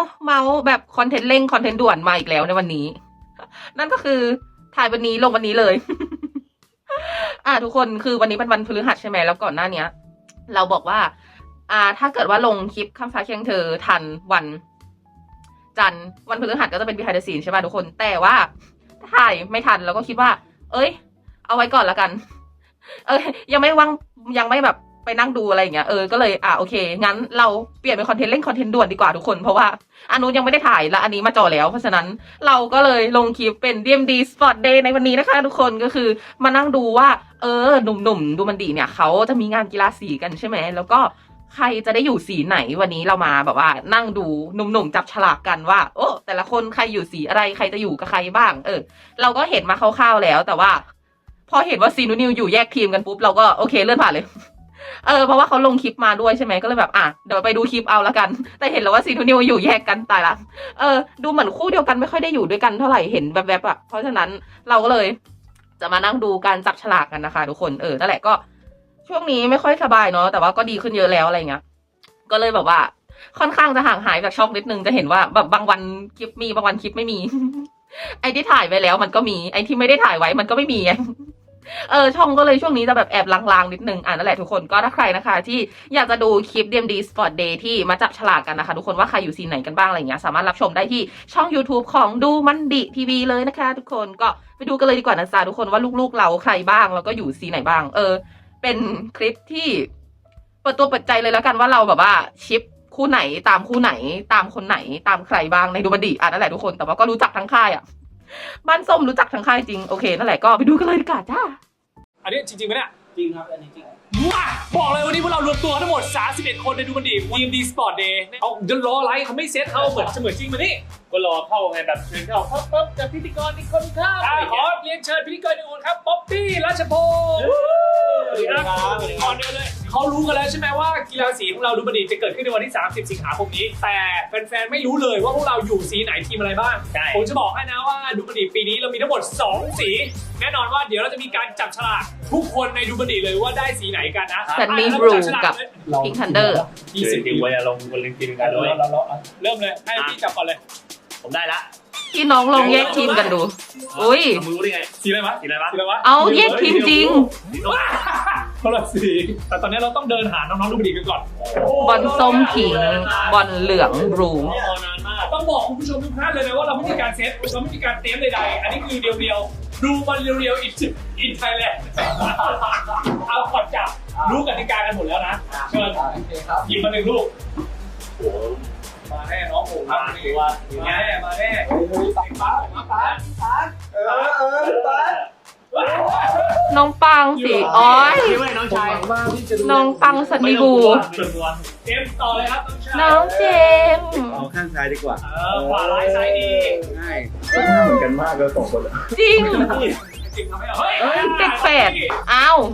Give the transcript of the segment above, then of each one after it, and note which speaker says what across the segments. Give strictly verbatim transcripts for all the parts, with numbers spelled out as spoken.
Speaker 1: เมาส์แบบคอนเทนต์เร่งคอนเทนต์ด่วนมาอีกแล้วในวันนี้นั่นก็คือถ่ายวันนี้ลงวันนี้เลย อ่าทุกคนคือวันนี้เป็นวันพฤหัสใช่ไหมแล้วก่อนหน้านี้เราบอกว่าอ่าถ้าเกิดว่าลงคลิปข้ามฟ้าเคียงเธอทันวันจันทร์วันพฤหัสก็จะเป็น behind the scene ใช่ป่ะทุกคนแต่ว่าถ่ายไม่ทันแล้วก็คิดว่าเอ้ยเอาไว้ก่อนละกันเออยังไม่ว่างยังไม่แบบไปนั่งดูอะไรอย่างเงี้ยเออก็เลยอ่ะโอเคงั้นเราเปลี่ยนเป็นคอนเทนต์เล่นคอนเทนต์ด่วนดีกว่าทุกคนเพราะว่าอันนู้นยังไม่ได้ถ่ายและอันนี้มาจ่อแล้วเพราะฉะนั้นเราก็เลยลงคลิปเป็น ดี เอ็ม ดี Sport Day ในวันนี้นะคะทุกคนก็คือมานั่งดูว่าเออหนุ่มๆดูมันดีเนี่ยเขาจะมีงานกีฬาสีกันใช่ไหมแล้วก็ใครจะได้อยู่สีไหนวันนี้เรามาแบบว่านั่งดูหนุ่มๆจับฉลากกันว่าโอ้แต่ละคนใครอยู่สีอะไรใครจะอยู่กับใครบ้างเออเราก็เห็นมาคร่าวๆแล้วแต่ว่าพอเห็นว่าซีนูนิวอยู่แยกทีมกันปุ๊บเราก็โอเคเลื่อนผ่านเลยเออเพราะว่าเขาลงคลิปมาด้วยใช่ไหมก็เลยแบบอ่ะเดี๋ยวไปดูคลิปเอาละกันแต่เห็นแล้วว่าซีนูนิวอยู่แยกกันตายละเออดูเหมือนคู่เดียวกันไม่ค่อยได้อยู่ด้วยกันเท่าไหร่เห็นแวบๆอ่ะเพราะฉะนั้นเราก็เลยจะมานั่งดูการจับฉลากกันนะคะทุกคนเออนั่นแหละก็ช่วงนี้ไม่ค่อยสบายเนาะแต่ว่าก็ดีขึ้นเยอะแล้วอะไรเงี้ยก็เลยแบบว่าค่อนข้างจะห่างหายจากช่องนิดนึงจะเห็นว่าแบบบางวันคลิปมีบางวันคลิปไม่มี ไอ้ที่ถ่ายไว้แล้วมันก็มีไอ้ที่ไม่ได้ถ่ายไว้มันก็ไม่มีไง เออช่องก็เลยช่วงนี้จะแบบแอบลางๆนิดนึงอ่ะนั่นแหละทุกคนก็ถ้าใครนะคะที่อยากจะดูคลิป ดี เอ็ม ดี Sport Day ที่มาจับฉลากกันนะคะทุกคนว่าใครอยู่ซีนไหนกันบ้างอะไรเงี้ยสามารถรับชมได้ที่ช่อง YouTube ของดูมันดิทีวีเลยนะคะทุกคนก็ไปดูกันเลยดีกว่านะจ๊ะทุกคนว่าลูกๆเราใครบ้างแล้วก็อยู่ซีไหนบ้างเออเป็นคลิปที่เปิดตัวเปิดใจเลยแล้วกันว่าเราแบบว่าชิปคู่ไหนตามคู่ไหนตามคนไหนตามใครบ้างในดูมันดิอ่ะนั่นแหละทุกคนแต่ว่าก็รู้จักทั้งค่ายอ่ะบ้านส้มรู้จักทั้งค่ายจริงโอเคนั่นแหละก็ไปดูกันเลยดีกว่าจ้า
Speaker 2: อันนี้จริงๆไหมเนี่ย
Speaker 3: จริงครับอันนี้จริง
Speaker 2: ว้าบอกเลยวันนี้พวกเรารวมตัวทั้งหมดสามสิบเอ็ดคนในดูมันดี ดี เอ็ม ดี Sport Day เอาเดินรออะไรเขาไม่เซตเขาเหมือนเหมือนจริงมานี่
Speaker 3: ก็รอเข้าไงแบบเชิญเข้าปั๊บปั๊บจากพิธีกรอีกคนครับ
Speaker 2: ขอเรียนเชิญพิธีกรอีกคนครับป๊อปปี้รัชพงศ์สวัสดีครับก่อนเดียวเลยเขารู้กันแล้วใช่ไหมว่ากีฬาสีของเราดูมันดีจะเกิดขึ้นในวันที่สามสิบสิงหาคมนี้แต่แฟนๆไม่รู้เลยว่าพวกเราอยู่สีไหนทีมอะไรบ้างผมจะบอกให้นะว่าดูมันดีปีนี้เรามีทั้งหมดสองสีแน่นอนว่าเดี๋ยวเราจะมีการจับฉลากทุกคนในดูมันดีเลยว่าได้สีไหนกันนะ
Speaker 1: แต่มีบลูกับพิงค์ทันเดอร์
Speaker 3: ยี่สิบทีมไว้ลงบนลิงก์ทีมกันด้วย
Speaker 2: เริ่มเลยให้พี่จับก่อนเลย
Speaker 3: ผมได้ละ
Speaker 1: พี่น้องลองแยกทีมกันดูอุ้ย
Speaker 3: มือรู้ได้ไง
Speaker 2: สีอะไรวะ
Speaker 3: สีอะไรวะ
Speaker 2: สีอะไรวะ
Speaker 1: เอาแยกทีมจริง
Speaker 2: คนละสีแต่ตอนนี้เราต้องเดินหาน้องๆดูมันดีกันก่อน
Speaker 1: บอลส้มพิงบอลเหลืองบลู
Speaker 2: ต้องบอกคุณผู้ชมทุกท่านเลยนะว่าเราไม่มีการเซตเราไม่มีการเตรียมใดๆอันนี้คือเดียวๆดูมันเรียวๆอินอินไทยแลนด์เอาขอดจับรู้กติกากันหมดแล้วนะเชิญหยิบมาหนึ่งลูกมาแน่น้องผมมาแน่มาแน่ปังปังปังปังเออเออปัง
Speaker 1: น้องปังสิอ้อย
Speaker 3: น้องชาย
Speaker 1: น้องปังสันนิบู
Speaker 2: เจมต่อเลยครับ
Speaker 1: น้องเจม
Speaker 3: เอาข้างซ้ายดีกว่า
Speaker 2: เออขวาร้ายซ้ายดี
Speaker 3: ง่ายเหมือนกันมากเลยสองคน
Speaker 1: จริง
Speaker 2: จริงทำให้เราเฮ้ย
Speaker 1: เด็กแฝดอ้าว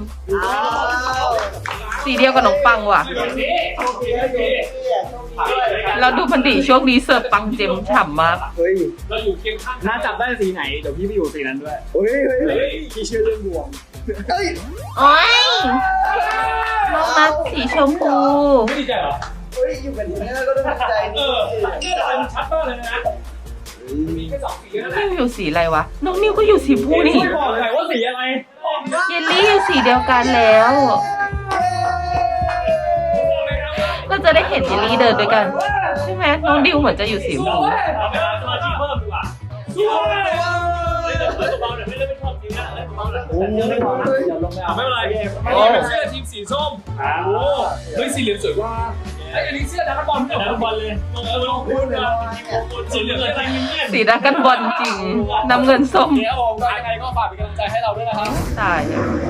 Speaker 1: สีเดียวกับน้องปังว่ะเราดูมันดีช่วงนี้เสิร์ฟปังเจมฉ่ำมาก
Speaker 3: เฮ้ย
Speaker 2: เราอยู่เคียงข้าง
Speaker 3: น่าจับได้สีไหนเดี๋ยวพี่ไปอยู่สีนั้นด้วยเฮ้ยเฮ้ยพี่เชื่อเรื่องดวงเฮ้ย
Speaker 1: โอ้ยน้องนัทสีชมพู
Speaker 2: ไม่ดีใจเหรอ
Speaker 3: เฮ้ยอยู่กันทีนี้ก็ต้องใจ
Speaker 2: เออเนี่ยมันชัดมากเลยนะมีแค่สองสีนั่นแหละ
Speaker 1: นิวอยู่สีอะไรวะน้องนิวก็อยู่สีพูนี่
Speaker 2: ไม่บอกเลยว่าสีอะไร
Speaker 1: เยลลี่อยู่สีเดียวกันแล้วก็จะได้เห็นเยลลี่เดินด้วยกันใช่ไหมน้องดิวเหมือนจะอยู่สีชมพู
Speaker 2: เราไปหาสมาชิกเพิ่มดีกว่าไม่เป็นเบาๆหน่อยไม่ได้เป็นชอบจริงนะเบาๆหน่อยไม่เป็นไรอันนี้เป็นเสื้อทีมสีส้มโอ้เฮ้ยสีเหลืองสวยกว่าไอ้อันนี้เสื้อดักบอลดักบอลเลยลงลงพื้นเลยสีเหลืองเลย
Speaker 1: สีดักกันบอลจริงน้ำเงินส้ม
Speaker 2: เดี๋ยวออกยังไงก็ฝากเป็นกำลังใจให้เราด้วยนะครับ
Speaker 1: ตาย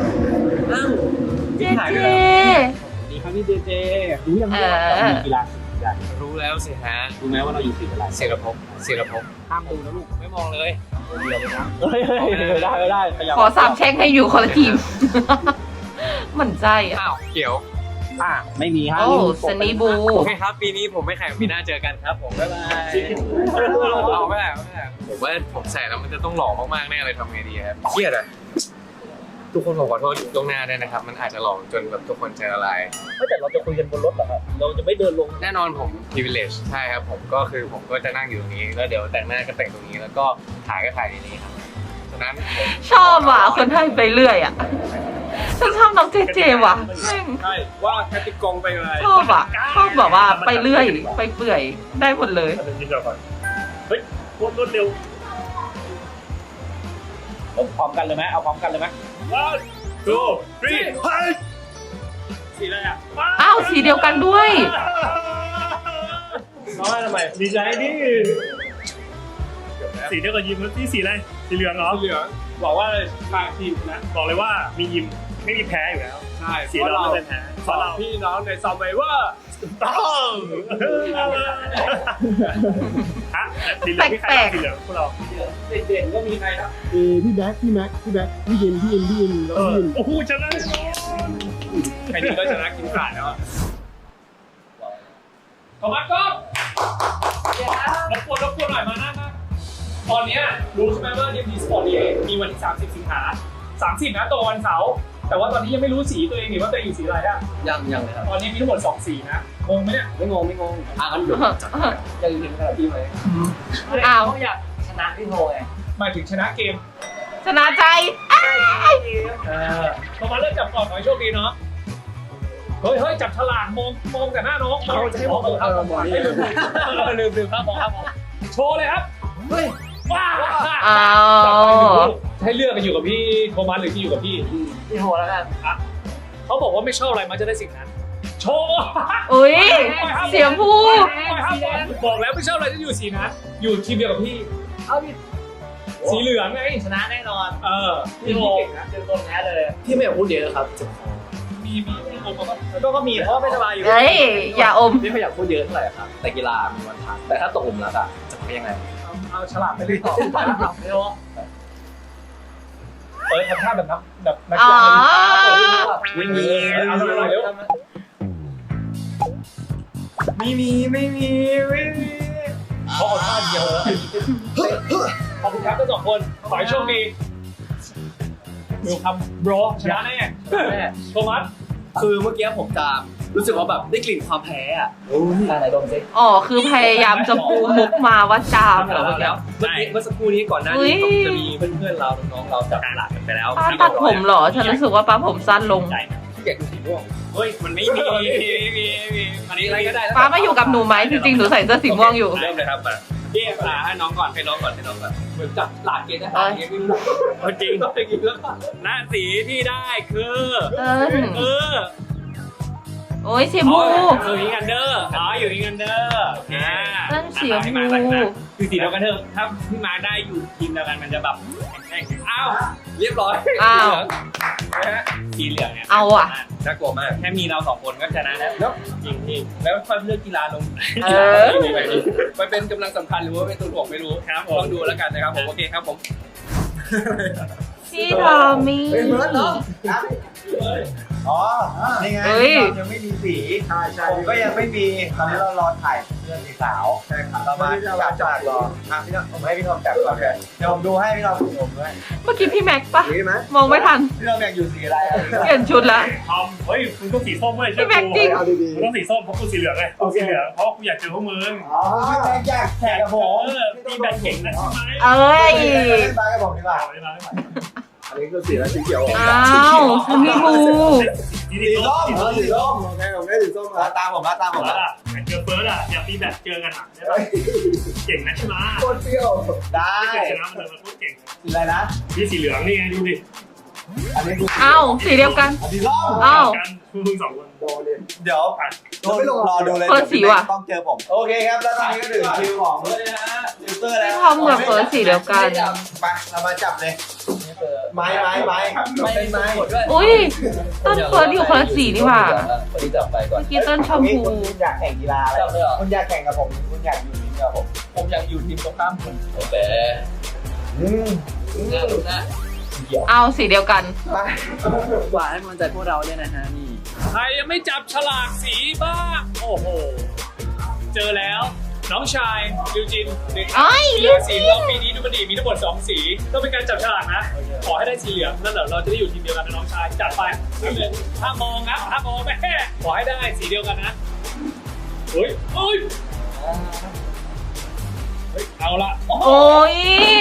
Speaker 1: เจเจ
Speaker 3: ดีครับพี่เจเจรู้ยังไงว่ามีกีฬาสีอะไร
Speaker 4: รู้แล้วสิฮะ
Speaker 3: รู้ไหมว่าเราอยู่สีอะไร
Speaker 4: เสรภพเสรภพ
Speaker 3: ห้ามดูนะลูก
Speaker 4: ไม่มองเลย
Speaker 3: เดียวเลยนะเฮ้ยได้ไม่ได้
Speaker 1: ขอสามแช่งให้อยู่คนละทีมมันใจ
Speaker 4: อ้าวเกี่ยว
Speaker 3: อ่ะไม่มีฮะ
Speaker 1: โอ้ซันนี่บู
Speaker 4: โอเคครับปีนี้ผมไม่แข่งปีหน้าเจอกันครับผมบ๊ายบายเอาไม่ได้ไม่ได้ผมว่าผมใส่แล้วมันจะต้องหล่อมากๆแน่เลยทำไงดีครับเครียดอะทุกคนผมขอโทษล่วงหน้าด้วยนะครับมันอาจจะหลอกจนแบบทุกคนใจละลาย
Speaker 2: ไม่แต่เราจะคุยกันบนรถเหรอครับเราจะไม่เดินลง
Speaker 4: แน่นอนผม privilege ใช่ครับผมก็คือผมก็จะนั่งอยู่ตรงนี้แล้วเดี๋ยวแต่งหน้าก็แต่งตรงนี้แล้วก็ถ่ายก็ถ่ายในนี้ครับฉะนั้นผม
Speaker 1: ชอบอ่ะคนไทยไปเรื่อยอ่ะฉันชอบน้องเจเจว่ะแม่ง
Speaker 2: ใช่ว่าแคติกองไปอะไร
Speaker 1: ชอบอ่ะชอบแบบว่าไปเรื่อยไปเปื่อยได้หมดเลย
Speaker 2: เดี๋ยวกินก่อนเฮ้ยรวดรวดเร็วเอาพร้อมกันเลยไหมเอาพร้อมกันเลยไหม one two three เฮ้ยสีอะไรอ่ะ
Speaker 1: อ้าวสีเดียวกันด้วย
Speaker 2: น้อยทำไมดีใจดิสีเดียวกับยิมแล้วที่สีอะไรสีเหลืองเหรอสีเหลืองบอกว่าทางทีมนะบอกเลยว่ามียิมไม่มีแพ้อยู่แล้วใช่สีเราไม่เป็นแพ้เพราะเราพี่น้องในซัมเวอร์ต้องฮะสีเหลืองพี่ใครสีเหลืองพวกเราเด่นๆก็มีใครครับ
Speaker 3: เอพี่แบ็คพี่แม็กพี่แบ็คพี่ยินพี่ยินพี่ยินแล้วพี่ยิน
Speaker 2: โอ้โหชนะใครดีก็ชนะกินขาดแล้วขอมาก็รบกวนรบกวนหน่อยมาหน้าครับตอนนี้รู้ใช่ไหมว่าเดมีสปอร์ตดีมีวันที่สามสิบสิงหาสามสิบนะตรงวันเสาร์แต่ว่าตอนนี้ยังไม่รู้สีตัวเองหรือว่าตัวเองอยู่สีอะไรอ่ะ
Speaker 4: ยังยังเลยครับ
Speaker 2: ตอนนี้มีทั้งหมดสองสีนะงงไหมเนี่ย
Speaker 4: ไม่งงไม่งงอ่ะงั้นเดี๋ยวยังเห็นขนาดที่ไหม
Speaker 1: อ้าว
Speaker 4: อยากชนะพี่โทไง
Speaker 2: หมายถึงชนะเกม
Speaker 1: ชนะใจอ้าย
Speaker 2: เออพอมาเริ่มจับก่อนขอให้โชคดีเนาะเฮ้ยเฮ้ยจับฉลากมองมองแต่หน้าน้องเราจะให้มองครับลืมลืมครับมองครับโชว์เลยครับเฮ้ยว้า
Speaker 1: อ้าว
Speaker 2: ให้เลือกกันอยู่กับพี่โทมัสหรือที่อยู่กับพี่
Speaker 4: พี่โทแล้วกัน
Speaker 2: อ่ะเขาบอกว่าไม่ชอบอะไรมันจะได้สิ่งนั้น โชว์
Speaker 1: อุ้ยเสียงผู้
Speaker 2: บอกแล้วไม่ชอบอะไรจะอยู่สีนั้นอยู่ทีมเดียวกับพี่
Speaker 4: เอาพี่
Speaker 2: สีเหลืองไง
Speaker 4: ชนะแน่นอน
Speaker 2: เออ
Speaker 4: พี่โท
Speaker 2: เก่งนะ
Speaker 4: เจอตัวแพ้เลยพี่ไม่อยากพูดเยอะครับ
Speaker 2: มีมีมีโอมา
Speaker 4: ก็ก็มีเพราะว่าไม่สบายอยู่
Speaker 1: เฮ้ยอย่าอม
Speaker 4: ไม่ค่อยอยากพูดเยอะเท่าไหร่ครับแต่กีฬามีวันพักแต่ถ้าตกหลุมรักอ่ะจะเป็นยังไง
Speaker 2: เอาฉลากไปเลยต่อไม่รู้เออทำท่าแบบนักแบบนัก
Speaker 1: อ๋อ
Speaker 2: ไม่มีเอาหน่อยเร็ว
Speaker 3: ไม่มีไม่มีไม่มี
Speaker 2: เขาเอาท่าเดียวแล้วขอบคุณครับทั้งสองคนขอให้โชคดีดูคำบรอชนะแน่โทมัส
Speaker 4: คือเมื่อกี้ผมจะรู้สึกว่าแบบได้กลิ่นความแพ้อ่ะอะไรดมซิ
Speaker 1: อ๋อคือพยายามจะปูมุกมาว่าจามเหรอ
Speaker 4: เมื่
Speaker 1: เมื่
Speaker 4: อ
Speaker 1: อ
Speaker 4: กี้
Speaker 1: กี้
Speaker 4: เมื่อสักครู่นี้ก่อนหน้า
Speaker 1: อุ๊
Speaker 4: นี้
Speaker 1: ย
Speaker 4: จะมีเพื่อนๆเราน้องๆเราจับฉลากกันไปแล้ว
Speaker 1: ป้าตัดผมเหรอ ฉันรู้สึกว่าป้าผมสั้นลง
Speaker 4: ที่อยากดูสีม่วง
Speaker 2: เฮ้ยมันไม่มีมีมีอันนี้อะไรก็ได้
Speaker 1: ป้ามาอยู่กับหนูไหมจริงๆหนูใส่เสื้อสีม่วงอยู่
Speaker 2: เริ่มเลยครับมาพี่อ่าให้น้องก่อนให้น้องก่อนให้น้องก่อนเหมือนจับหลากเกณฑ์ทหารเงี้ยไม่รู้จริงต้องอย่างนี้แล้วหน้าสีที่ได้คือ
Speaker 1: เอิ้น
Speaker 2: เออ
Speaker 1: โอ้ยเสียมู
Speaker 2: อยู่ที่กันเดอร์อ๋ออยู่ที่กันเดอร์อ่า
Speaker 1: เอิ้นเสียมู
Speaker 2: คือสีเดียวกันเถอะถ้าพี่มาได้อยู่ทีมเดียวกันมันจะแบบอ้าว
Speaker 4: เรียบร้อย
Speaker 1: อ้าว
Speaker 2: สีเหลืองเนี่ย
Speaker 1: เอาอ่ะ
Speaker 4: น่ากลัวมาก
Speaker 2: แค่มีเราสองคนก็ชนะแล้วจริงจริงแล้วค่อยเลือกกีฬาลง
Speaker 1: เออ
Speaker 4: ไปเป็นกำลังสำคัญหรือว่าเป็นตัวถ่วงไม่รู้
Speaker 2: ครับ
Speaker 4: ลองดูแล้วกันนะครับผมโอเคครับผม
Speaker 1: พี่ทอมมี่
Speaker 3: เฮ้ยเมิร์ดเหรออ๋อนี่ไง
Speaker 1: เฮ้ย
Speaker 3: เรายังไม่มีสีใช่ใช่ผมก็ยังไม่มีตอนนี้เรารอถ่ายเรื่องสีขาวใช่ครับเรามาจับจับรออ่ะพี่น้องผมให้พี่ทอมจับก่อนเลยเดี๋ยวผมดูให้พี่ทอมดูผมด้วย
Speaker 1: เมื่อกี้พี่แม็กปะ
Speaker 3: สีไหม
Speaker 1: มองไม่ทัน
Speaker 3: พี่ทอมอยากอยู่สีอะไร
Speaker 1: เปลี่ยนชุดละ
Speaker 2: ทอมเฮ้ยคุณต้องสีส้มเว้ย
Speaker 1: พี่แม็กจริง
Speaker 3: เอาดี
Speaker 2: คุณต้องสีส้มเพราะคุณสีเหลืองไงคุณสีเหลืองเพราะคุณอยากเจอพวกมึง
Speaker 3: ๆอ๋อพี่แม็กอยากแข่งกับผม
Speaker 2: เออตีแบตเก่งนะใช่ไหม
Speaker 1: เอ้ย
Speaker 3: เล่นบาสกับผมดีกว่า
Speaker 2: เอาเลยมาเลยมา
Speaker 3: อันนี้คือสีอะไรสีเขียว
Speaker 1: อ้าวมันมีมู
Speaker 2: สี
Speaker 3: สีส้ม
Speaker 2: สี
Speaker 3: เหร
Speaker 2: ส้
Speaker 3: อ
Speaker 2: ม
Speaker 3: สีส้มโอเคผมได้สีส้มแล้วตามผมแล้วตามผม
Speaker 2: แล้
Speaker 3: แล้ว ว
Speaker 2: เจอเฟิร์สอ่ะอยากตีแบตเจอกันอ่ะใช่ไหมเก่งนะใช่ไหม
Speaker 3: โคตรเปรี้ยวได้
Speaker 2: ไม่เคยชนะมันเลยมันพูดเก่ง
Speaker 3: สีอะไรนะ
Speaker 2: พี่สีเหลืองนี่ไงดูดิ
Speaker 3: อันนี้คือ
Speaker 1: อ้าวสีเดียวกัน
Speaker 3: สีส้ม
Speaker 1: อ้าว
Speaker 2: กันมึงสองคน
Speaker 3: โดนเลยเดี๋ยวรอดูเลย
Speaker 1: เฟิร์สสีว่ะ
Speaker 3: ต้องเจอผมโอเคครับแล้วตอนนี้ก็ถึงคิวของยูเซอร์แล้ว
Speaker 1: พี่ทอมกับเฟิร์สสีเดียวกัน
Speaker 3: ไปเรามาจับเลยไม้ไม้ไม้ไม่เป็นไม้
Speaker 1: อุ้ยต้นเฟิร์สอยู่คนละสีนี่หว่า
Speaker 4: คนที่จับไปก่อน
Speaker 1: เมื่อกี้ต้นชมพู
Speaker 3: คุณอยากแข่งกีฬาอะไรคุณอยากแข่งกับผมคุณอยากอยู่ทีมกับผม
Speaker 4: ผมอยากอยู่ทีมตรงข้ามคุณโอเค
Speaker 3: อืม
Speaker 4: ดูหน้าดูหน้า
Speaker 1: เอาสีเดียวกัน
Speaker 3: ไป
Speaker 4: หวานให้กำลังใจพวกเราด้วยนะฮะนี่
Speaker 2: ใครยังไม่จับฉลากสีบ้างโอ้โหเจอแล้วน้องชายลิวจินหนึ่ง
Speaker 1: ไอ้ย
Speaker 2: กีฬาสีของเราปีนี้ดูมันดีมีทั้งหมดสองสีต้องเป็นการจับฉลากนะขอให้ได้สีเหลืองนั่นแหละเราจะได้อยู่ทีมเดียวกันนะน้องชายจัดไปห้ามมองนะห้ามมองแม่ขอให้ได้สีเดียวกันนะเฮ้ยเฮ้ยเฮ้ยเอาละ
Speaker 1: โอ้ย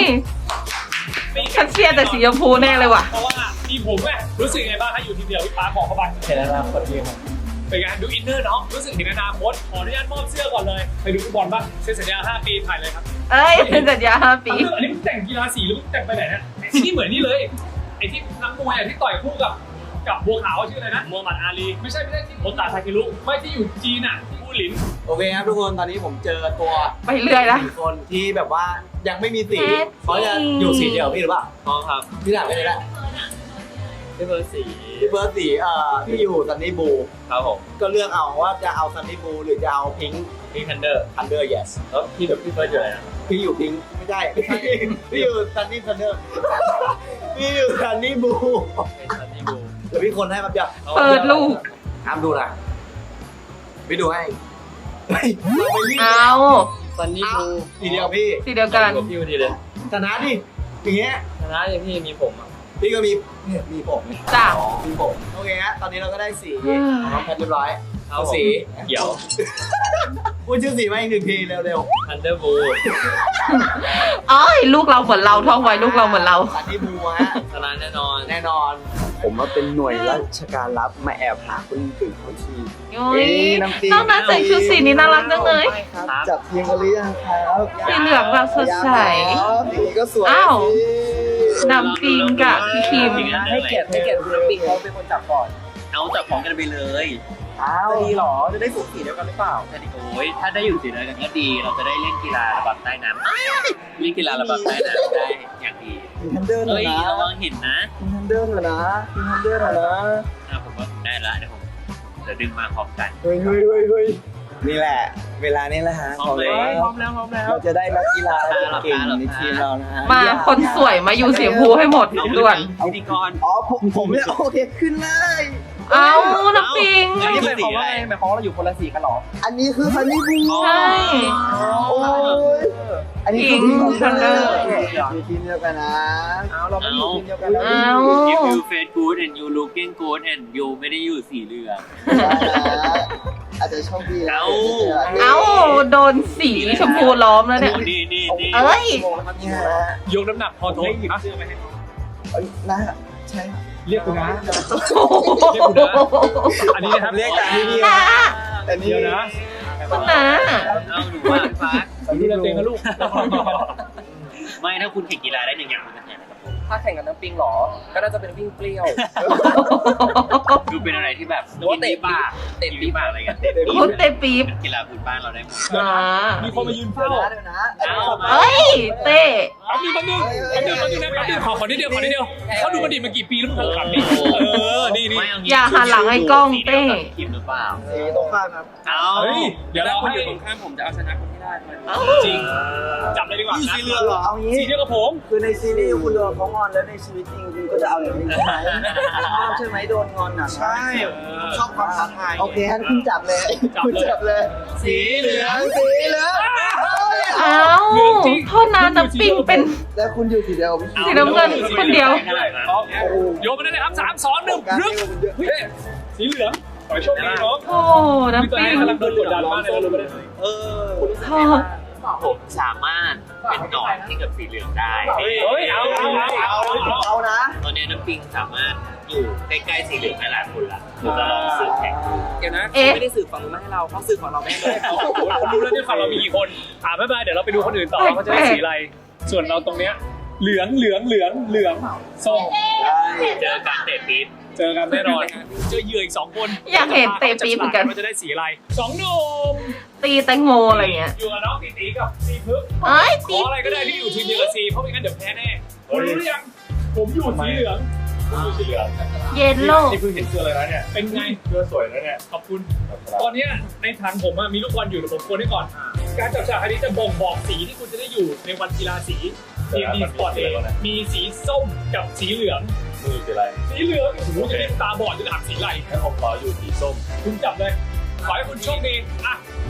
Speaker 1: ฉันเชียร์แต่สีชมพูแน่เลยว่ะ
Speaker 2: เพราะว่าทีมผมแม่รู้สึกไงบ้างถ้าอยู่ทีมเดียวพี่ป๊าบอกเข้าไป
Speaker 3: เห็นแล้วนะคนดีครับ
Speaker 2: เป็นไงดูอินเนอร์น้องรู้สึกเห็นอนาคตขออนุญาตมอบเสื้อก่อนเลยไปดูฟุตบอลบ้างเซ็นสัญญาห้าปีถ่ายเลยครับ
Speaker 1: เอ้ยเป็นสัญญาห้าปี
Speaker 2: อันนี้มึงแต่งกีฬาสีหรือมึงแต่งไปไหนเนี่ยที่นี่เหมือนนี่เลยไอ้ที่นักมวยอ่ะที่ต่อยคู่กับกับบัวขาวชื่ออะไรนะมูฮัมหมัดอาลีไม่ใช่ไม่ใช่ที่โอตาทาเครุไม่ที่อยู่จีนอ่ะที่อูหลิน
Speaker 3: โอเคครับทุกคนตอนนี้ผมเจอตัว
Speaker 1: ไปเรื่อยละ
Speaker 3: สี่คนที่แบบว่ายังไม่มีสี
Speaker 1: แท้จริง
Speaker 3: เขาจะอยู่สีเดียวพี่หรือเปล่า
Speaker 4: อ๋อครับ
Speaker 3: พี่ถามไปเลยละ
Speaker 4: พี่เบอร์สี
Speaker 3: พี่เบิร์ดสีเอ่อพี่อยู่ซันนี่บู
Speaker 4: ครับผม
Speaker 3: ก็เลือกเอาว่าจะเอาซันนี่บูหรือจะเอาพิงค์
Speaker 4: พี่ทันเดอร์
Speaker 3: ทันเดอร์ yes
Speaker 4: แล้วพี่แบบพี่เบิร์ดอยู่ไหนนะ
Speaker 3: พี่อยู่พิงค์ไม่ใช่พี่อยู่ซันนี่ทันเดอร์พี่อยู่ซันนี่บู
Speaker 4: เป็นซันนี่บู
Speaker 3: เดี๋ยวพี่คนให้มาเดี๋ยว
Speaker 1: เปิดลูก
Speaker 3: ห้ามดูนะพี่ดูให้เฮ้ยเราไปรีบ
Speaker 1: เอา
Speaker 4: ซันนี่บู
Speaker 3: สีเดียวพี่
Speaker 1: สีเดียวกัน
Speaker 4: กับพี่พอดีเลย
Speaker 3: ชนะดิอย่างเงี้ย
Speaker 4: ชนะยังพี่มีผมอ่ะ
Speaker 3: พี่ก็มีเนี่ยมีผมเนี่ย
Speaker 1: จ้ะ
Speaker 3: มีผมโอเคฮะตอนนี้เราก็ได้สี
Speaker 1: อืม
Speaker 3: ของน้องแพทเรียบร้อย
Speaker 4: เอา
Speaker 3: เอา
Speaker 4: สี
Speaker 3: สี
Speaker 4: เขียว
Speaker 3: พูดชื่อสีมาอีกหนึ่งทีเร็ว
Speaker 4: ทันเดอร์บู
Speaker 1: เอ้ยลูกเราเหมือนเราท่องไว้ลูกเราเหมือนเรา
Speaker 3: ๆซันนี่บูฮะ
Speaker 4: ชนะแน่นอน
Speaker 3: แน่นอน ผมว่าเป็นหน่วยราชการรับมาแอบหาคนอื่นคนที
Speaker 1: โอ้ยน้องนัทใส่ชุดสีนี้น่ารักจังเลย
Speaker 3: จับเทียงกันหรือยังครับ
Speaker 1: สีเหลืองแบบสดใส
Speaker 3: สีก็สวย
Speaker 1: อ้าว
Speaker 3: สิ
Speaker 1: น้ำปิงกับพี่คิม
Speaker 3: ให้เกียรติให้เกียรติคุณน้ำปิงเขาเป็นคนจับก่อน
Speaker 4: เอาจับของกันไปเลย
Speaker 3: อ้าวดีหรอจะได้สูสีเดียวกันหรือเปล่า
Speaker 4: โอ้ยถ้าได้อยู่สีเดียวกันก็ดี เราจะได้เล่นกีฬาระบำใต้น้ำเล่นกีฬาระบำใต้น้ำได้อย่างดี
Speaker 3: มีทันเดอร์หน่อ
Speaker 4: เฮ้
Speaker 3: ย
Speaker 4: ย
Speaker 3: นะ
Speaker 4: ระวังหินนะ
Speaker 3: มีทันเดอร์หน่อยนะมีทันเดอร์หน่อยนะ
Speaker 4: อ่ะผมว่าได้ละเดี๋ยวผมเดี๋ยวดึงมาพร้อมกัน
Speaker 3: เฮ้ยเฮ้ยเฮ้ยเฮ้ยนี่แหละ เวลานี้แหละฮะ
Speaker 4: พร้อมเลย
Speaker 3: พร้อมแล้วพร้อมแล้วเราจะได้นักกีฬาเก่งในทีมเรานะฮะ
Speaker 1: มาคนสวยมาอยู่สีชมพูให้หมดด่วน
Speaker 4: พิธีกร
Speaker 3: อ๋อผมผมเนี่ยโอเคขึ้นเลย
Speaker 1: เอาน้ำปิง
Speaker 4: อันนี้หมายความว่าไง
Speaker 3: หมายความว่าเราอยู่คนละสีกันหรอ อันนี้คือซันนี่บู
Speaker 1: ใช่
Speaker 3: โอ้ยอันนี้คือทีมของทันเดอร์อยู่ทีมเดียวกันนะเอาเราไม่อยู่ทีมเดียวกันแล้ว
Speaker 1: เอา
Speaker 4: if you face good and you looking good and you ไม่ได้อยู่สีเหลือง
Speaker 3: อาจจะโชคดี
Speaker 4: เอา
Speaker 1: เอาโดนสีชมพูล้อมแล้วเนี่ย
Speaker 4: นี่นี่นี่
Speaker 1: เอ้ย
Speaker 3: เนี่ย
Speaker 2: ยกน้ำหนักพอทุกอ่ะ
Speaker 3: นะใช่
Speaker 2: เรียกคุณนะ เรียกคุณนะ อันนี้นะครับ
Speaker 3: เรียกแต่นี่
Speaker 1: นะ
Speaker 3: แต่นี่
Speaker 2: เดี๋ยวนะ
Speaker 1: คุณนะ
Speaker 4: เอาหนูว่าฟ้า
Speaker 2: ดูแลตัวเองนะลูก
Speaker 4: ไม่ถ้าคุณแข่งกีฬาได้หนึ่งอย่างคุณจะแข่งอะไรกับผม
Speaker 5: ถ้าแข่งกับน้ำปิงเหรอ ก็น่าจะเป็นวิ่งเปรี้ยว
Speaker 4: ดูเป็นอะไรที่แบบ
Speaker 5: หรือว่าเตะปาก
Speaker 4: เตะปีบากอะไรกัน
Speaker 1: โคตรเตะปี๊บ
Speaker 4: เป็นกีฬาพื้นบ้านเราได้หมด
Speaker 1: อ่า
Speaker 2: มีคนมายืน
Speaker 3: เดี๋ย
Speaker 2: เฝ้าว
Speaker 3: นะเดี๋ยวนะ
Speaker 1: เอ้ย เต้
Speaker 2: แป๊บนึงแป๊บนึงแป๊บนึงแป๊บนึงนะแป๊บนึงขอขอนิดเดียวขอนิดเดียวเขาดูมันดีมากี่ปีแล้วมึงขับนี่เออ นี่นี่
Speaker 4: ไม่เงี้
Speaker 1: อย่าหันหลังให้กล้องเต้
Speaker 4: ทีมหรือเปล่า
Speaker 3: สีตรงข้ามครับ
Speaker 4: เอา
Speaker 2: เฮ้ย เดี๋ยวเรา
Speaker 5: คุณ
Speaker 2: ให้
Speaker 5: อยู่ตรงข้ามผมจะเอาชนะคุณให้ได้ด้วย
Speaker 2: จริง จับเลยดีกว่านะ
Speaker 3: สีเหลืองเหรอเอางี้
Speaker 2: สีเดียวกับผม
Speaker 3: คือในซีรีส์คุณโดนเขางอนแล้วในชีวิตจริงคุณก็จะเอาอย่างนี้ใช่ไหมชอบใช่ไหมโดนงอนอ่ะใช่ชอบความท้าทายโอเคงั้นคุณจับเลยคุณจับเลย
Speaker 2: สีเหลือง
Speaker 3: สีเหลือง
Speaker 1: เอ้าโทษนะน้ำปิงเป็น
Speaker 3: แล้วคุณอยู่สีเดียว
Speaker 1: สีน้ำเงินคนเดียว
Speaker 2: โยนไปเลยนะครับสามสองหนึ่งรึกเฮ้ยสีเหลืองขอให้โชคดีน้อง
Speaker 1: โอ้น้ำ
Speaker 2: ตัว
Speaker 1: ปิ
Speaker 2: เอง
Speaker 1: ง
Speaker 2: กำลังโดนกดดันมากเลยเรารู้ไหม
Speaker 3: เออ
Speaker 1: โทษ
Speaker 4: ผมสามารถเป็นหนอนที่กับสีเหลืองได้
Speaker 2: เฮ้ย เอาเอาเอาเอา
Speaker 3: เอานะ
Speaker 4: ตอนนี้น้ำปิงสามารถอยู่ใกล้ๆสีเหลืองได้หลายคนละเราจะลองสื่อแข่ง
Speaker 5: เดี๋ยวนะ
Speaker 1: เอ๊ะ
Speaker 5: ไม่ได้สื่อฝั่งนู้นมาให้เราเขาสื่อฝั่งเราไม่ให้เลย
Speaker 2: คนรู้แล้วเนี่ยฝั่งเรามีกี่คนอ่าไม่เป็นไรเดี๋ยวเราไปดูคนอื่นต่อว่าเขาจะได้สีอะไร ส่วนเราตรงเนี้ยเหลืองเหลืองเหลืองเหลืองส้ม
Speaker 4: เจอการเตะปี๊บ
Speaker 2: เจอกันแน่นอนเจอเหยื่ออีกสองคน
Speaker 1: อยากเห็นเตะปี๊บเหมือนกัน
Speaker 2: ว่าจะได้สีอะไรสองหนุ่ม
Speaker 1: ตีแตงโมอะไรเงี้ย
Speaker 2: อยู่กับน้องตีตีกับซีพึก
Speaker 1: เอ้ย
Speaker 2: ข
Speaker 1: ตี
Speaker 2: ออะไรก็ได้ที่อยู่ทีมเดียวกับซีเพราะไม่งั้นเดี๋ยวแพ้แน่คุณรู้หรือยังผมอยู่สีเหลืองผมอยู่สีเหลือง
Speaker 1: เยลโล่
Speaker 2: นี่เพิ่งเห็นเสื้อเลยนะเนี่ยเป็นไงเสื้อสวยนะเนี่ยขอบคุณ ตอนเนี้ยในถังผมอะมีลูกบอลอยู่เดี๋ยวผมโกนให้ก่อน การจับฉลากอันนี้จะบ่งบอกสีที่คุณจะได้อยู่ในวันกีฬาสีทีมดีสปอร์ตเองมีสีส้มกับสีเหลือง
Speaker 6: มือสีอะไร
Speaker 2: สีเหลืองโอ้โหจะเล่นตาบอดจะถามสีอะไร
Speaker 6: ให้ผมขออยู่สีส้ม
Speaker 2: คุณจับเลย ขอให้คุณโชคดี อ่ะ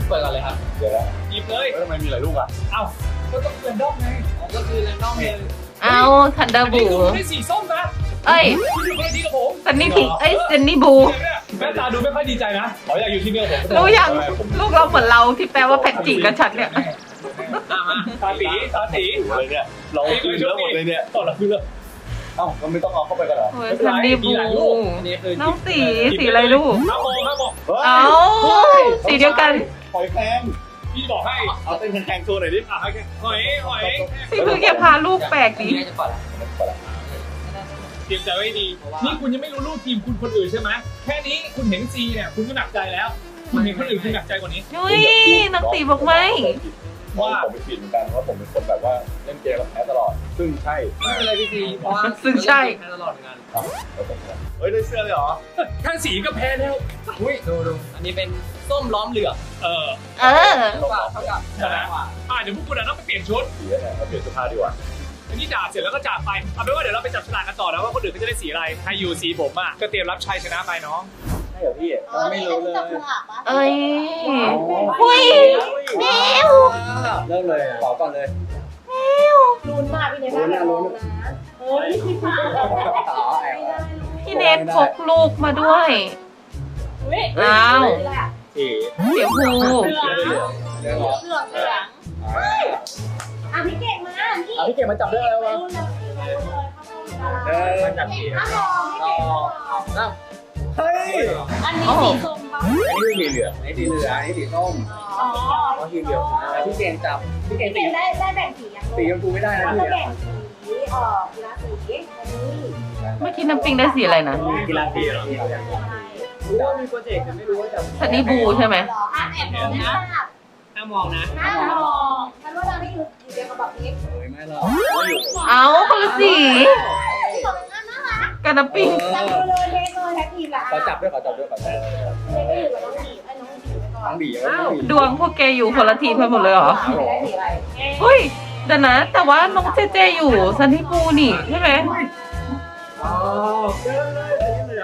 Speaker 5: เปิดก่อนเลยครับ
Speaker 3: เดี๋ยวนะ
Speaker 2: หยิบเลย
Speaker 3: เฮ้ยทำไมมีหลายลูกอ่ะ
Speaker 2: เอ้าก็ต้องเรนดอมไง
Speaker 5: ก็คือแรนดอมเลย
Speaker 1: เอาทันเดอ
Speaker 2: อั
Speaker 1: ร์
Speaker 2: นนี้
Speaker 1: บู
Speaker 2: คือไม่ได้สีส้มนะ
Speaker 1: เอ้ย
Speaker 2: คุณอยู่คนละทีกับผม
Speaker 1: ซันนี่พิงเอ้ยซันนี่บู
Speaker 2: แม่ตาดูไม่ค่อยดีใจนะขออยากอยู่ที่เดียวผม
Speaker 1: รู้ยังลูกเราเหมือนเราที่แปลว่าแพ็กจิกับฉันเนี่ย
Speaker 2: ตาตีตาตี
Speaker 3: เลยเนี่ยเราคืนแล้วหมดเลยเนี่ย
Speaker 2: ต่อละคือเลย
Speaker 3: เอ้ามันไม่ต้องเอาเข้าไปกันเหรอ
Speaker 1: โอ้ยซันนี่บู
Speaker 5: อันนี้คือ
Speaker 1: น้องสีสีอะไรลูก
Speaker 2: ห้าโมงห้าโมง
Speaker 3: ฮ้ย
Speaker 1: เอาสีเดียวกัน
Speaker 3: หอยแครง
Speaker 2: พี่บอกให้
Speaker 3: เอาเต้นแครงๆโชว์หน่อยดิ
Speaker 2: อ่ะโอเคหอยหอย
Speaker 1: พี่เพิ่งแกพาลูกแปลกดิ
Speaker 5: จะก่อน
Speaker 2: เตรียมใจไว้ดี นี่คุณยังไม่รู้ลูกทีมคุณคนอื่นใช่ไหมแค่นี้คุณเห็นซีเนี่ยคุณก็หนักใจแล้ว คุณเห็นคนอื่นคุณหนักใจกว่านี้
Speaker 1: นุ้ยน้องตีบอกไม่
Speaker 3: ว่าผมไปผิดเหมือนกันว่าผมเป็นคนแบบว่าเล่นเกมแล้วแพ้ตลอด ซึ่งใช่
Speaker 5: ไม่เป็นไรพี่ซีเพราะว่า
Speaker 1: ซึ่งใช่
Speaker 5: ตลอดงาน
Speaker 3: แล้วผมก็เฮ้ยได้เสื้อเลยเหรอ
Speaker 2: แค่สีก็แพ้แล้ว
Speaker 5: อุ้ยดูดูอันนี้เป็นส้มล้อมเหลือง
Speaker 2: เออ
Speaker 1: เออ
Speaker 5: เท่ากับเท่ากับ
Speaker 2: ชนะอ่ะเดี๋ยวพวกคุณอ่ะต้องไปเปลี่ยนชุด
Speaker 3: สีเนี่ยเราเปลี่ยนเสื้อผ้าดีกว่า
Speaker 2: อันนี้ด่าเสร็จแล้วก็จากไปเอาเป็นว่าเดี๋ยวเราไปจับฉลากกันต่อนะว่าคนอื่นเขาจะได้สีอะไรใครอยู่สีผมอ่ะก็เตรียมรับชัยชนะไปน้อง
Speaker 3: ใช่เหรอพี่
Speaker 6: ไม่รู้เลย
Speaker 1: เอ้ยหุยแมว
Speaker 3: เริ่มเลยต่อก่อนเลย
Speaker 6: ลุ้นมากพี่เนทลุ้นนะลุ้นนะเฮ้ยพี่ฟ้า
Speaker 3: ต่อแอบ
Speaker 1: พี่เนทพกลูกมาด้วย อ้าว
Speaker 3: สี
Speaker 1: เสียพู
Speaker 6: เหลือง
Speaker 3: เหลืองเหลืองเหรอ
Speaker 6: เหลืองเหลืองอ่ะพี่เก่งมาพี่
Speaker 3: อ่ะพี่เก่งมาจับได้แล้ว
Speaker 6: ไป
Speaker 3: วะ
Speaker 6: รุ่นเลยไปรุ่นเลยเข้าไป
Speaker 3: เออจับสี
Speaker 6: ถ้ามองพี่เก่งมอง
Speaker 3: เฮ้ย
Speaker 6: อันนี้สีส้มป่ะ
Speaker 3: อันนี้คือสีเหลืองอันนี้สีเหลืองอันนี้สีส้ม
Speaker 6: อ๋อ
Speaker 3: อ๋อสีเหลืองอ่ะพี่เก่งจับพี่เก่ง
Speaker 6: พี่
Speaker 3: สี
Speaker 6: เก่งได้ได้แบ่งสียัง
Speaker 3: สีชมพูไม่ได้นะ
Speaker 6: เขา
Speaker 3: พี่
Speaker 6: จะแบ่งสีเอ่อกีฬาสีอันนี้
Speaker 1: เมื่อกี้น้ำปิงได้สีอะไรนะ
Speaker 3: กีฬาสีเหรอรู้ว่ามีโปรเจกต์แต่ไม่รู้ว่าจะ
Speaker 1: ซันนี่บูใช่ไหม
Speaker 6: อ่ะแอบมองนะ
Speaker 5: ห้ามองนะ
Speaker 6: หน้ามองฉันว่าเราไม่อยู่อยู่เดียวกับแบบนี้
Speaker 3: เฮ้ยไม่หรอกไม่อยู่
Speaker 1: เอาคนละสี
Speaker 6: ที่บอกเป็นงานน่ารัก
Speaker 1: กับน้ำปิง
Speaker 6: จับมือเลยเทสเลยแท็กทีมละ
Speaker 3: ขอจับด้วยขอจับด้วยขอจับด้วย
Speaker 6: เทก็อยู่กับน้องหมีไอ้น้องหมีไปก่อน
Speaker 3: น้องบีเอาน้องบี
Speaker 1: ดวงพวกแกอยู่คนละทีมกันหมดเลยเหรอ
Speaker 6: ไม่ได้สีอะไร
Speaker 1: เฮ้ยเดี๋ยวนะ แต่ว่าน้องเจเจอยู่ซันนี่บูนี่ใช่ไหม
Speaker 3: อ๋อเจอเลยสีเหลือง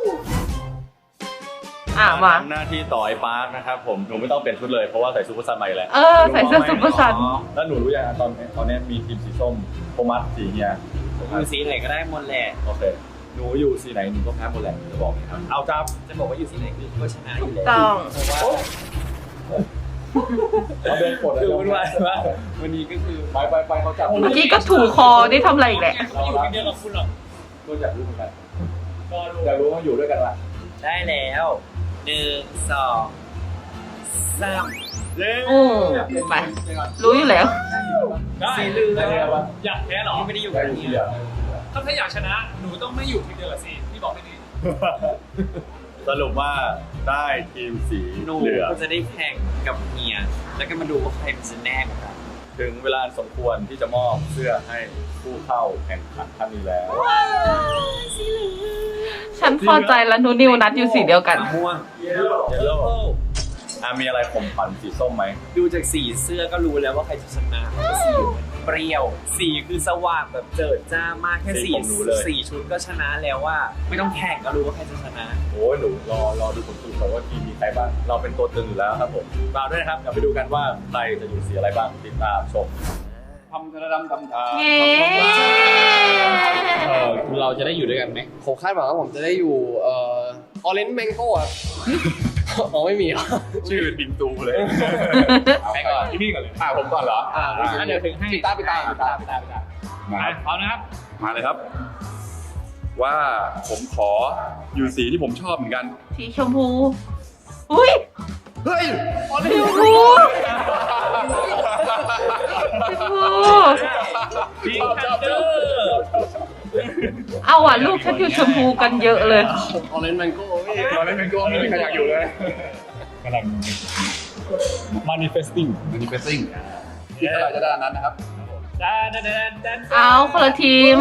Speaker 1: อ่ะมา
Speaker 7: ทำหน้าที่ต่อไอ้ปาร์คนะครับผมหนูไม่ต้องเปลี่ยนชุดเลยเพราะว่าใส่ซูเปอร์ซันมาอยู่แล้ว
Speaker 1: เออ ใส่เสื้อซุปเปอร์ซัน
Speaker 7: แล้วหนูรู้ยังตอนตอนนี้มีทีมสีส้มโทมัสสีเฮีย
Speaker 5: อยู่สีไหนก็ได้หมดแหละ
Speaker 7: โอเคหนูอยู่สีไหนหนูก็แพ้หมดแหละจะบอกนะครับเอาจับ
Speaker 5: จะบอกว่าอยู่สีไหนคือก็ชนะอยู่แล้ว
Speaker 1: ต้อง
Speaker 5: เพราะว่า
Speaker 3: เราเดินกด
Speaker 5: คือวุ่นวายมากวันนี้ก็คือ
Speaker 3: ไปไปไปเขาจับ
Speaker 1: เมื่อกี้ก็ถูคอได้ทำอะไรอีกแหละ
Speaker 2: เขาไม่อยู่ทีมเดียวกับคุณหรอก
Speaker 3: ก็อยากรู้เหมือนกัน
Speaker 2: รอดู
Speaker 3: อยากรู้ว่าอยู่ด้วยกันละ
Speaker 5: ได้แล้วหนึ่งสองสาม
Speaker 3: เย้
Speaker 1: โอ้ไปรู้อยู่แล้ว
Speaker 2: ได้
Speaker 5: สีเหลือง
Speaker 2: อยากแพ้เหรอ
Speaker 5: ไม่ได้อยู่
Speaker 3: ได้
Speaker 5: กับ
Speaker 3: อยู่
Speaker 5: นี่
Speaker 3: ที่เดียว
Speaker 2: ถ้าถ้าอยากชนะหนูต้องไม่อยู่ทีมเดียวกับซีพี่บอกไม่ดี
Speaker 7: สรุปว่าได้ทีมสี
Speaker 5: หนู
Speaker 7: เหลือง
Speaker 5: ก็จะได้แข่งกับเมียแล้วก็มาดูว่าใครมันจะแน่กว่ากัน
Speaker 7: ถึงเวลาสมควรที่จะมอบเสื้อให้ผู้เข้าแข่งขันท่านนี้แล้ว
Speaker 1: ฉันพอใจแล้วนูนิวนัดอยู่สีเดียวกัน
Speaker 5: ม่วง
Speaker 7: เยลโล่อ่ะมีอะไรข่มขวัญสีส้มไหม
Speaker 5: ดูจากสีเสื้อก็รู้แล้วว่าใครจะชนะเพราะว่าสีมันเปรี้ยว สีคือสว่างแบบเจิดจ้ามากแค่สีสีชุดก็ชนะแล้วว่า ไม่ต้องแข่งก็รู้ว่าใครจะชนะ
Speaker 7: โอ้ยหนูรอรอดูผลสรุปก่อนว่าทีมมีใครบ้างเราเป็นตัวตึงอยู่แล้วครับผมฝากด้วยนะครับเดี๋ยวไปดูกันว่าใครจะอยู่สีอะไรบ้างติดตามชม
Speaker 3: ทำธนดำทำทา
Speaker 1: เย้
Speaker 8: เออเราจะได้อยู่ด้วยกันไหมผมคาดหวังว่าผมจะได้อยู่เอ่อออเรนจ์แมงโก้ครับ อ๋อไม่มีเหรอ
Speaker 7: ชื่อบิงตูเลย
Speaker 8: ไปก่อน
Speaker 2: ที่นี่ก่อนเลย
Speaker 3: อ่าผมก่อนเหรอ
Speaker 8: อ่า
Speaker 2: งั้นเดี๋ยวถึงให้
Speaker 8: ปิดตาปิดตาปิดตาปิดตาปิดตา
Speaker 7: มาครับ
Speaker 2: พร้อมนะครับ
Speaker 7: มาเลยครับ ว่าผมขออยู่สีที่ผมชอบเหมือนกัน
Speaker 1: สีชมพู อุ้ย
Speaker 7: เฮ้ย
Speaker 1: ชมพูชมพู
Speaker 2: พิงคันเดอร์
Speaker 1: เอาอ่ะลูกฉันอยู่ชมพูกันเยอะเลย
Speaker 8: ออเรนจ์แมงโก้พี่
Speaker 3: ตอนเล่นเป็นโก้ไม่มีใครอยากอยู่เลย
Speaker 7: กำลัง manifesting
Speaker 3: manifesting ที่เท่าไหร่จะได้อันนั้นนะครับ
Speaker 2: ดนดันดันดัน
Speaker 1: เอาคนละทีม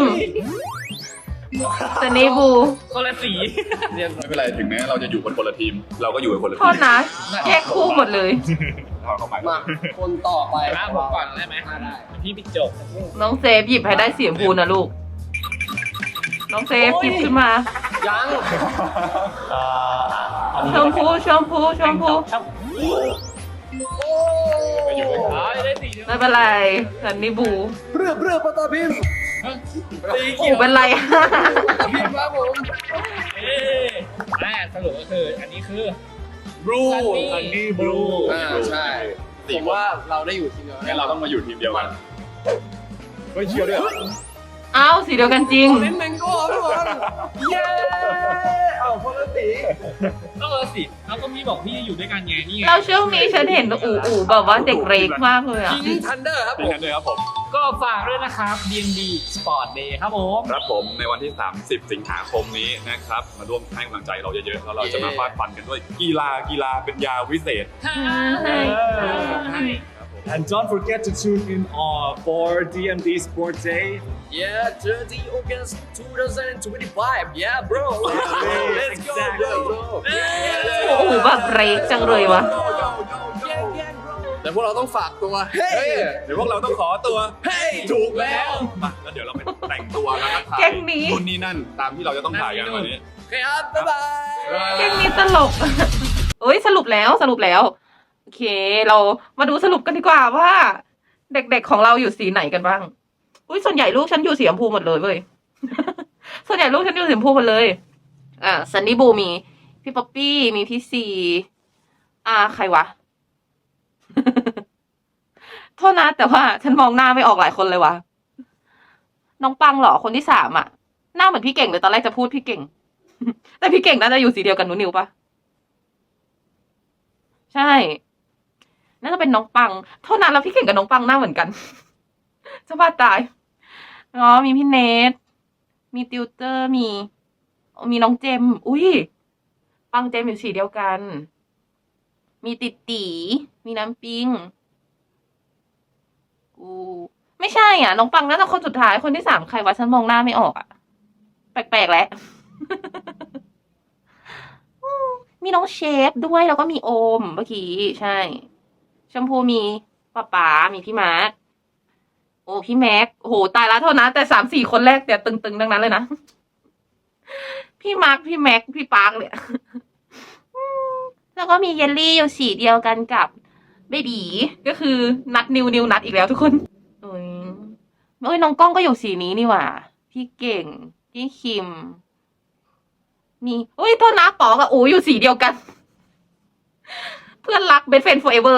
Speaker 1: ซันนี่บู
Speaker 2: คนละสี
Speaker 7: ไม่เป็นไรถึงแม้เราจะอยู่คนคนละทีม เราก็อยู่กันคนละ
Speaker 1: โท
Speaker 7: ที
Speaker 1: ษนะ แยกคู่หมดเลย
Speaker 7: เราเข้าไป
Speaker 8: มาคนต่อไป
Speaker 2: นะผมก่อนได้ไหม
Speaker 8: อ่าได้
Speaker 2: พี่ปิดจบ
Speaker 1: น้องเซฟหยิบให้ได้สีชมพูนะลูก น้องเซฟหยิบขึ้นมา
Speaker 8: ยัง
Speaker 1: ชมพูชมพูชมพู
Speaker 7: ไปอยู่ด้วยกัน
Speaker 2: อ๋อได้สีเดียว
Speaker 1: ไม่เป็นไรซันนี่บู
Speaker 8: เรือเรือปตาพิมพ์
Speaker 1: อูเป็นไร
Speaker 8: พิมพ์ครับผม
Speaker 2: เอ๊ะแม่สรุปก็คืออันนี้คือ
Speaker 7: บลู
Speaker 2: Sunny
Speaker 7: ซันนี่บลู
Speaker 8: อ่าใช่ผมว่าเราได้อยู่ทีมเดียวกั
Speaker 7: งั้น
Speaker 8: น
Speaker 7: เราต้องมาอยู่ทีมเดียวกันเฮ้ยเชียวด้วยเหรอ
Speaker 1: อ้าวสีเดียวกันจริง
Speaker 8: เล่นแมงโก้ทุกคน
Speaker 3: เย้เอาคนละสี
Speaker 2: เออสิแล้วก็มีบอกพี่อยู่ด้วยกันไงนี่ไง
Speaker 1: เราช่วงนี้ฉันเห็นอูอูแบบว่าเด็กเรกมากเลยอะ
Speaker 8: คิงทันเดอร์ครับผ
Speaker 7: นี่
Speaker 8: ม
Speaker 7: กันด้วยครับผม
Speaker 2: ก็ฝากด้วยนะครับ ดี เอ็น ดี Sport Day ครับผม
Speaker 7: ครับผมในวันที่ สามสิบ สิงหาคมนี้นะครับ มาร่วมให้กำลังใจเราเยอะๆแล้วเราจะมาฟาดฟันกันด้วยกีฬากีฬาเป็นยาวิเศษ
Speaker 2: And don't forget to tune in uh, for ดี เอ็น ดี Sport Day
Speaker 8: Yeah thirty August twenty twenty-five Yeah bro Let's go bro
Speaker 1: อูแบบเรกจังเลยวะ
Speaker 8: แต่พวกเราต้องฝากตัวเฮ้ย
Speaker 7: เดี๋ยวพวกเราต้องขอตัว
Speaker 8: เฮ้ย
Speaker 7: ถูกแล้วมาแล้วเดี๋ยวเราไปแต่งตัวแล้วก็ถ่าย
Speaker 1: แก๊งนี้
Speaker 7: นู่นนี่นั่นตามที่เราจะต้องถ่ายกันวันนี้
Speaker 8: โอเคครับบ๊ายบาย
Speaker 1: เกมนี้ตลก เอ้ยสรุปแล้วสรุปแล้ว โอเค เรามาดูสรุปกันดีกว่าว่า เด็กๆของเราอยู่สีไหนกันบ้าง อุ้ยส่วนใหญ่ลูกฉันอยู่สีชมพูหมดเลยเว้ย ส่วนใหญ่ลูกฉันอยู่สีชมพูหมดเลย อ่าซันนี่บูมีพี่ป๊อปปี้มีพี่ซีอ่าใครวะ โทษนะแต่ว่าฉันมองหน้าไม่ออกหลายคนเลยวะน้องปังเหรอคนที่สามอ่ะหน้าเหมือนพี่เก่งเลยตอนแรกจะพูดพี่เก่ง แต่พี่เก่งน่าจะอยู่สีเดียวกันหนูนิวปะใช่ น่าจะเป็นน้องปังเท่านั้นแล้วพี่เก่งกับน้องปังหน้าเหมือนกัน จะบ้าตายอ๋อมีพี่เนทมีติวเตอร์มีมีน้องเจมอุ้ยปังเจมอยู่สีเดียวกัน มีติดตีมีน้ำปิงกูไม่ใช่อ่ะน้องปังน่าจะคนสุดท้ายคนที่สามใครวะฉันมองหน้าไม่ออกอ่ะแปลกๆแล้ว มีน้องเชฟด้วยแล้วก็มีโอมเมื่อกี้ใช่ชมพูมีป๊าป๋ามีพี่มาร์คโอ้พี่แม็กโอ้โหตายละโทษนะแต่สามสี่คนแรกเนี่ยตึงๆทั้งนั้นเลยนะ พี่มาร์คพี่แม็กพี่ปาร์คเนี่ย แล้วก็มีเยลลี่อยู่สีเดียวกันกับเบบีก็คือนัดนิวนิวนัดอีกแล้วทุกคนโอ้ยเอ้ยน้องกล้องก็อยู่สีนี้นี่หว่าพี่เก่งพี่คิมมีเฮ้ยโทษนะป๋อกับอูอยู่สีเดียวกัน เพื่อนรักเบสเฟน forever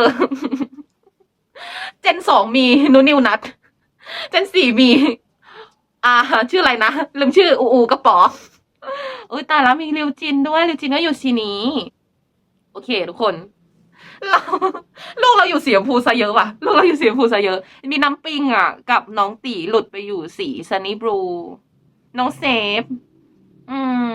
Speaker 1: เจนสองมีนูนิวนัดเจนสี่มี อ่าชื่ออะไรนะลืมชื่ออูอูกับป๋อเอ้ยตายแล้วมีริวจินด้วยริวจินก็อยู่สีนี้โอเคทุกคนเราลูกเราอยู่สีชมพูซะเยอะว่ะลูกเราอยู่สีชมพูซะเยอะมีน้ำปิงอ่ะกับน้องตีหลุดไปอยู่สีซันนี่บลูน้องเซฟอืม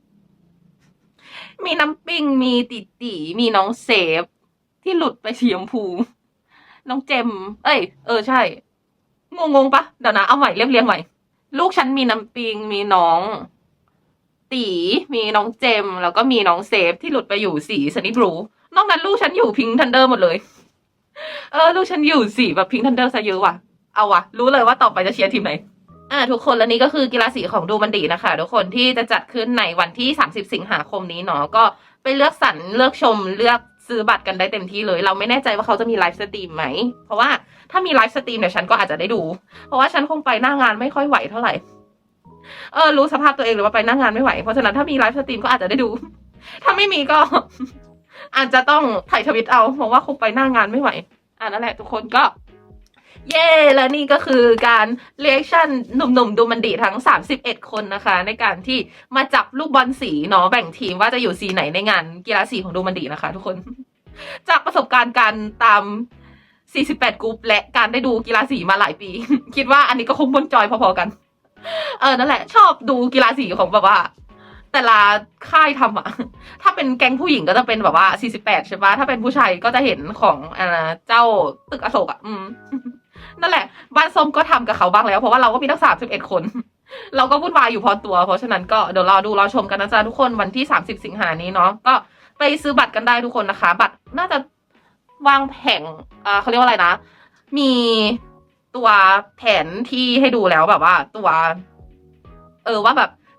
Speaker 1: มีน้ำปิงมีติตีมีน้องเซฟที่หลุดไปสีชมพูน้องเจมเอ้ยเออใช่งงงๆปะเดี๋ยวนะเอาใหม่เรียบเรียงใหม่ลูกฉันมีน้ำปิงมีน้องตีมีน้องเจมแล้วก็มีน้องเซฟที่หลุดไปอยู่สีซันนี่บลูนอกนั้นลูกฉันอยู่พิงค์ทันเดอร์หมดเลยเออลูกฉันอยู่สีแบบพิงค์ทันเดอร์ซะเยอะว่ะเอาว่ะรู้เลยว่าต่อไปจะเชียร์ทีมไหนอ่าทุกคนและนี่ก็คือกีฬาสีของดูมันดีนะคะทุกคนที่จะจัดขึ้นในวันที่สามสิบสิงหาคมนี้เนาะก็ไปเลือกสรรเลือกชมเลือกซื้อบัตรกันได้เต็มที่เลยเราไม่แน่ใจว่าเขาจะมีไลฟ์สตรีมไหมเพราะว่าถ้ามีไลฟ์สตรีมเนี่ยฉันก็อาจจะได้ดูเพราะว่าฉันคงไปหน้างานไม่ค่อยไหวเท่าไหร่เออรู้สภาพตัวเองหรือว่าไปหน้างานไม่ไหวเพราะฉะนั้นถ้ามีไลฟ์สตรีมก็อาจจะได้ดู ถ้าไม่มีก็ อาจจะต้องถ่ายทวิตเอาเพราะว่าคงไปหน้างานไม่ไหวอ่านั่นแหละทุกคนก็เย่และนี่ก็คือการเรีแอคชั่นหนุ่มๆดูมันดีทั้งสามสิบเอ็ดคนนะคะในการที่มาจับลูกบอลสีเนาะแบ่งทีมว่าจะอยู่สีไหนในงานกีฬาสีของดูมันดีนะคะทุกคน จากประสบการณ์การตามสี่สิบแปดกรุ๊ปและการได้ดูกีฬาสีมาหลายปี คิดว่าอันนี้ก็คงบนจอยพอๆกันเออนั่นแหละชอบดูกีฬาสีของแบบว่าแต่ละค่ายทำอะถ้าเป็นแก๊งผู้หญิงก็จะเป็นแบบว่าสี่สิบแปดใช่ปะถ้าเป็นผู้ชายก็จะเห็นของอ่าเจ้าตึกอโศกอะอืม นั่นแหละบ้านส้มก็ทำกับเขาบ้างแล้วเพราะว่าเราก็มีทั้งสามสิบเอ็ดคน เราก็วุ่นวายอยู่พอตัวเพราะฉะนั้นก็เดี๋ยวรอดูรอชมกันนะจ๊ะทุกคนวันที่สามสิบสิงหานี้เนาะก็ไปซื้อบัตรกันได้ทุกคนนะคะบัตรน่าจะวางแผงอ่าเขาเรียกว่าอะไรนะมีตัวแผนที่ให้ดูแล้วแบบว่าตัวเออว่าแบบโซ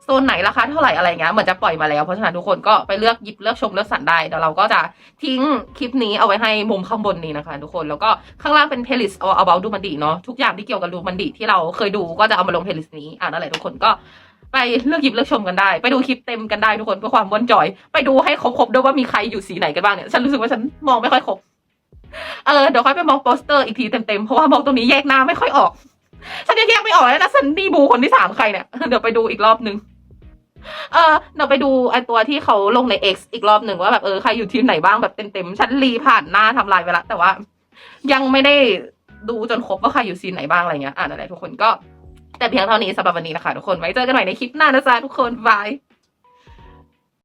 Speaker 1: ซนไหนราคาเท่าไหร่อะไรเงี้ยเหมือนจะปล่อยมาแล้วเพราะฉะนั้นทุกคนก็ไปเลือกหยิบเลือกชมเลือกสรรได้เดี๋ยวเราก็จะทิ้งคลิปนี้เอาไว้ให้มุมข้างบนนี้นะคะทุกคนแล้วก็ข้างล่างเป็น playlist all about ดูมันดีเนาะทุกอย่างที่เกี่ยวกับดูมันดีที่เราเคยดูก็จะเอามาลง playlist นี้อ่านั่นแหละทุกคนก็ไปเลือกหยิบเลือกชมกันได้ไปดูคลิปเต็มกันได้ทุกคนเพื่อความม่วนจอยไปดูให้ครบๆด้วยว่ามีใครอยู่สีไหนกันบ้างเนี่ยฉันรู้สึกว่าฉันมองไม่ค่อยครบเออเดี๋ยวค่อยไปมองโปสเตอร์อีกทีเต็มๆเพราะว่ามองตรงนี้แยกหน้าไม่ค่อยออกฉันยังแยกไม่ออกเลยนะซันนี่บูคนที่สามใครเนี่ยเดี๋ยวไปดูอีกรอบนึงเออเดี๋ยวไปดูไอตัวที่เขาลงใน X อีกรอบหนึ่งว่าแบบเออใครอยู่ทีมไหนบ้างแบบเต็มๆฉันรีผ่านหน้าทำลายไปละแต่ว่ายังไม่ได้ดูจนครบว่าใครอยู่ซีนไหนบ้างอะไรเงี้ยอ่านอะไรทุกคนก็แต่เพียงเท่านี้สำหรับวันนี้นะคะทุกคนไว้เจอกันใหม่ในคลิปหน้านะจ๊ะทุกคนบาย